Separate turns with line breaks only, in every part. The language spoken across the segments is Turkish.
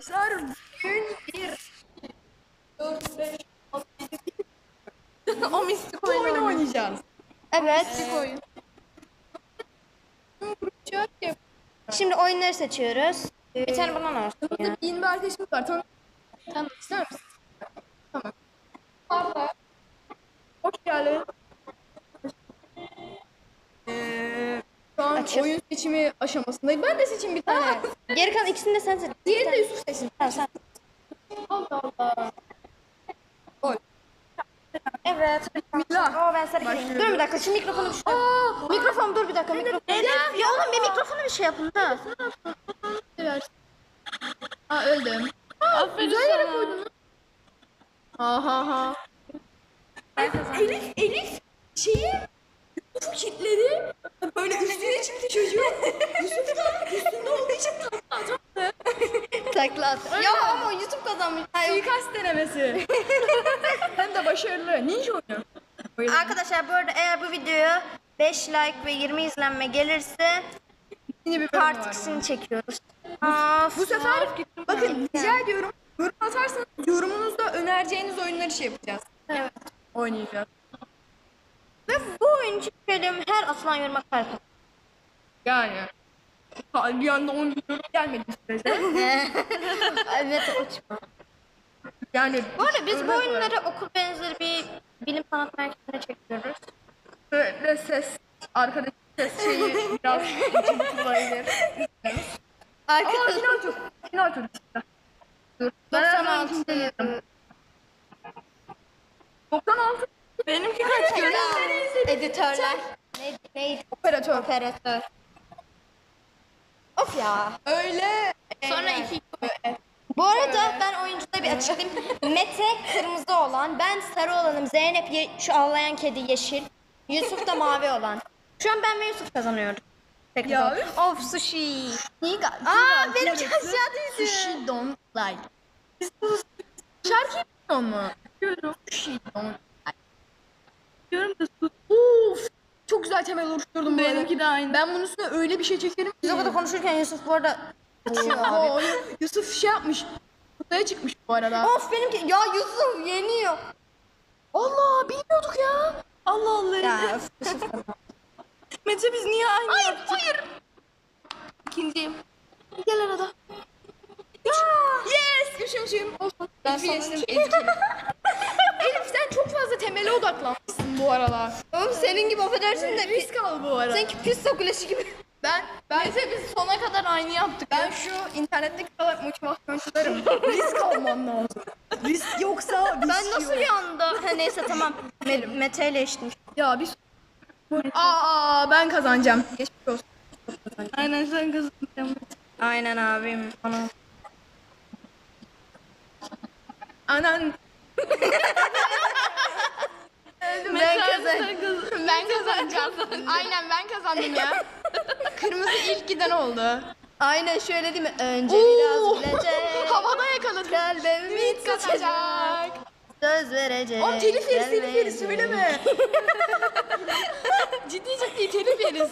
Arkadaşlar bugün 4, 5, 6, 7,
O mistik
oyun oynayacağız.
Evet.
Mistik oyun.
Şimdi oyunları seçiyoruz. Bir tane bana olsun ya.
Burada yeni bir arkadaşımız var. Tanımak ister misin? Tamam. Abla. Hoş geldin. Şu an
Açıl.
oyun seçimi aşamasındayım. Ben de seçeyim bir tane.
Geri kalan ikisini de sen seç.
Diğerini de Yusuf seçsin.
Tamam sen.
Allah Allah. Gol.
Evet.
Bismillah.
Oo ben sarı gireyim.
Başlıyoruz.
Dur bir dakika şu mikrofonu bir şey. Mikrofon dur bir dakika mikrofon. Ya oğlum bir mikrofonu bir şey yapın da.
Evet. Aa öldüm.
Aferin
Güzel yere koydun. Ha. Elif şeyi Yusuf kitledi. Böyle üstüne çıktı çocuğu. Yusuf da üstünde olduğu için tatlı atacaktı.
Takla at. Ya ama YouTube kazanmış.
Suikast denemesi. Hem de başarılı. Ninja oyunu.
Arkadaşlar bu arada eğer bu videoya 5 like ve 20 izlenme gelirse
Yine bir bölüm
part
var.
2'sini çekiyoruz.
Bu sefer bakın rica ediyorum. Yorum atarsanız yorumunuzda önereceğiniz oyunları şey yapacağız.
Evet.
Oynayacağız.
Ve bu oyuncu bölüm her atılan yoruma kalp atıyor.
Yani. Bir anda 10 yorum gelmedi sürece.
Evet uçma.
Yani.
Bu arada biz bu
örnek
oyunları
olarak
okul benzeri bir bilim sanat merkezine çekiyoruz.
böyle ses, arkadaki ses şeyi biraz kullanabilir. Aa final tur. Final tur işte. Dur. Ben hemen
96.
ikinciye girdim. 96. Benimki kaç göre?
Editörler. Neydi?
Operatör.
Operatör. Of ya.
Öyle.
Sonra 2 Bu arada ben oyuncuda bir açıklayayım. Mete kırmızı olan, ben sarı olanım. Zeynep şu ağlayan kedi yeşil. Yusuf da mavi olan. Şu an ben ve Yusuf kazanıyoruz. Peki.
Ya.
Of sushi.
Aa
benimki aşağı düştü.
Sushi don't like. Şarkı yapıyor mu? Diyorum. Sushi don't like. Diyorum da Uf. Çok güzel temel oluşturdum bu arada.
Benimki de aynı.
Ben bunun üstüne öyle bir şey çekerim ki.
Biz o kadar konuşurken Yusuf bu arada uçuyor abi.
Oo, Yusuf şey yapmış. Kutaya çıkmış bu arada.
Of benimki ya Yusuf yeniyor.
Allah bilmiyorduk ya. Allah Allah.
Ya of, Yusuf.
Mete biz niye aynı yaptık? Hayır. İkinciyim.
Gel arada.
Yes. Üçüncüyüm. Olsun.
Ben
Elif'i geçtim.
sonuncuyum.
Elif Elif. Elif sen çok fazla temele odaklanmışsın bu aralar.
Oğlum senin gibi affedersin de
Risk al bu arada.
sanki pizza kulesi gibi.
Ben Mete biz sona kadar aynı yaptık. Ben şu internetteki kadar motivasyoncularım. Risk almam lazım. Risk yoksa risk
Ben nasıl
yok.
bir anda? Ha, neyse tamam. Mete ile eşittim.
Ya biz... Aa ben kazanacağım. Geçmiş olsun.
Aynen sen kazanacaksın. Aynen abim. Ana.
Anan.
Ben kazandım.
Ben kazanacağım. Aynen ben kazandım ya. Kırmızı ilk giden oldu.
Aynen şöyle değil mi? Önce
Oo.
biraz bilecek.
Havada yakaladım.
Kalbimi
Kaçacak.
kaçacak. Söz verecek.
Oğlum telif yeriz telif
gelmeyecek.
yeriz söyleme. ciddi telif yeriz.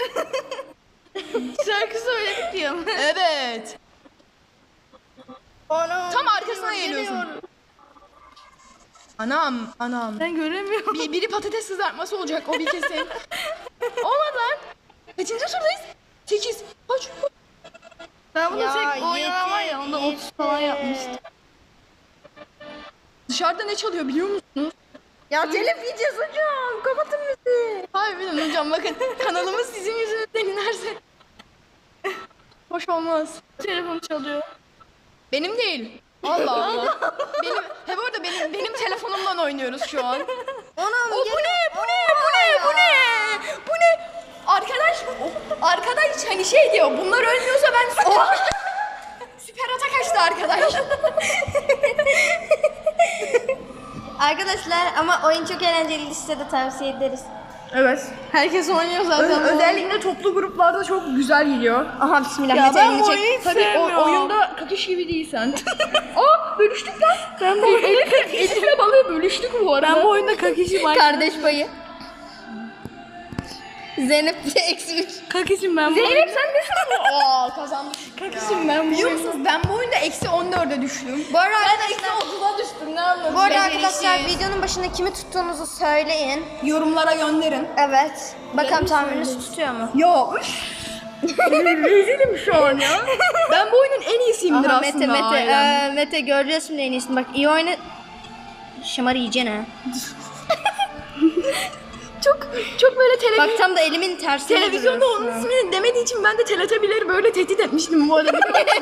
Şarkı söyledik diyorum.
Evet.
Anam,
Tam arkasına geliyorsun. Anam.
Ben göremiyorum.
Biri patates kızartması olacak o bir kesin. Olmadı lan. Kaçıncı turdayız? 8. Kaç?
Ben bunu
Ya,
tek oynanan var ya onda 30 falan yapmıştım.
Dışarıda ne çalıyor biliyor musunuz?
Ya telif yiyeceğiz hocam. Kapatın bizi.
Harbiden hocam bakın kanalımız sizin yüzünüzden inerse. Hoş olmaz.
Telefon çalıyor.
Benim değil. Allah Allah. Bu arada benim telefonumdan oynuyoruz şu an.
Anam
Bu ne? Bu ne? Arkadaş hani şey diyor. Bunlar ölmüyorsa ben süper ata kaçtı arkadaş.
Arkadaşlar ama oyun çok eğlenceli, size de tavsiye ederiz.
Evet.
Herkes oynuyor zaten.
Özellikle toplu gruplarda çok güzel geliyor.
Aha bismillah.
Ya
Mete
ben
elini
bu
çek.
oyunu tabii oyunda kakış gibi değilsen. Aa bölüştük lan. Ben bu Elif'le balığı bölüştük bu arada.
Ben bu oyunda kakişim var. Kardeş payı. Zeynep de eksi 3.
Kankacığım ben
Zeynep sen nesin?
Aa kazanmış.
Kankacığım ben
Biliyor musunuz ben bu oyunda eksi 14'e düştüm.
Bu arada
Ben eksi
arkadaşlar,
30'a düştüm ne anladın?
bu arada arkadaşlar videonun başında kimi tuttuğunuzu söyleyin.
Yorumlara gönderin.
Evet. Bakalım tahmininiz tutuyor mu?
Ya rezilim şu an ya. Ben bu oyunun en iyisiyimdir
Aha,
aslında.
Mete
ailemde.
Mete göreceğiz şimdi en iyisini. Bak iyi oyna. Şımarı yiyeceksin ha.
Çok böyle
Bak tam da elimin tersine
televizyonda onun
duruyorsun.
ismini demediği için ben de Teletabileri böyle tehdit etmiştim bu arada.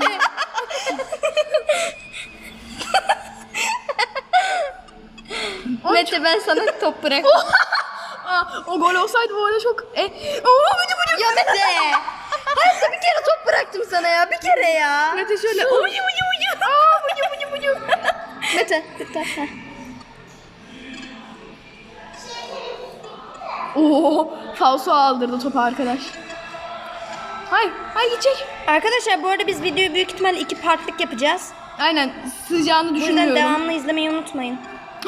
Mete ben sana top bırak.
Aa, o gol olsaydı bu arada çok...
Ya Mete. Hayatta bir kere top bıraktım sana ya. Bir kere ya.
Mete şöyle...
Mete. Bitti. Heh.
Oo, falso aldırdı topu arkadaş. Hayır gidecek.
Arkadaşlar bu arada biz videoyu büyük ihtimalle 2 partlık yapacağız.
Aynen, sığacağını
Bu yüzden
düşünmüyorum.
devamlı izlemeyi unutmayın.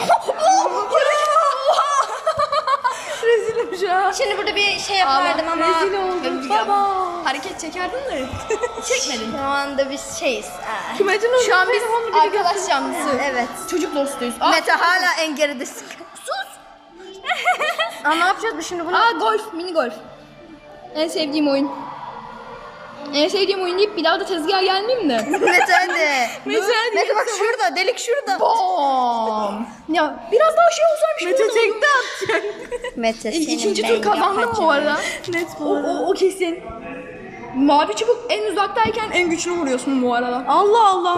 Rezilim şu an.
Şimdi burada bir şey yapardım ama
Rezil oldum. Baba. Hareket çekerdin de çekmedin.
şu anda biz şeyiz.
Kümecin şu an biz arkadaş canlısı.
Evet.
Çocuk dostuyuz.
Mete hala en geridesin. Sus. Aa, ne yapacağız biz şimdi bunu?
Aa golf, mini golf. En sevdiğim oyun. En sevdiğim oyun deyip bir daha da tezgaha gelmeyeyim de.
Mete hadi.
Mete
bak şurada, delik şurada.
Bom. Ya biraz daha şey olsaymış. Mete tekte atacak.
Mete senin
İkinci
ben
tur kazandım
yapacağım.
bu arada. Net bu arada. O kesin. Mavi çubuk en uzaktayken en güçlü vuruyorsun bu arada.
Allah Allah.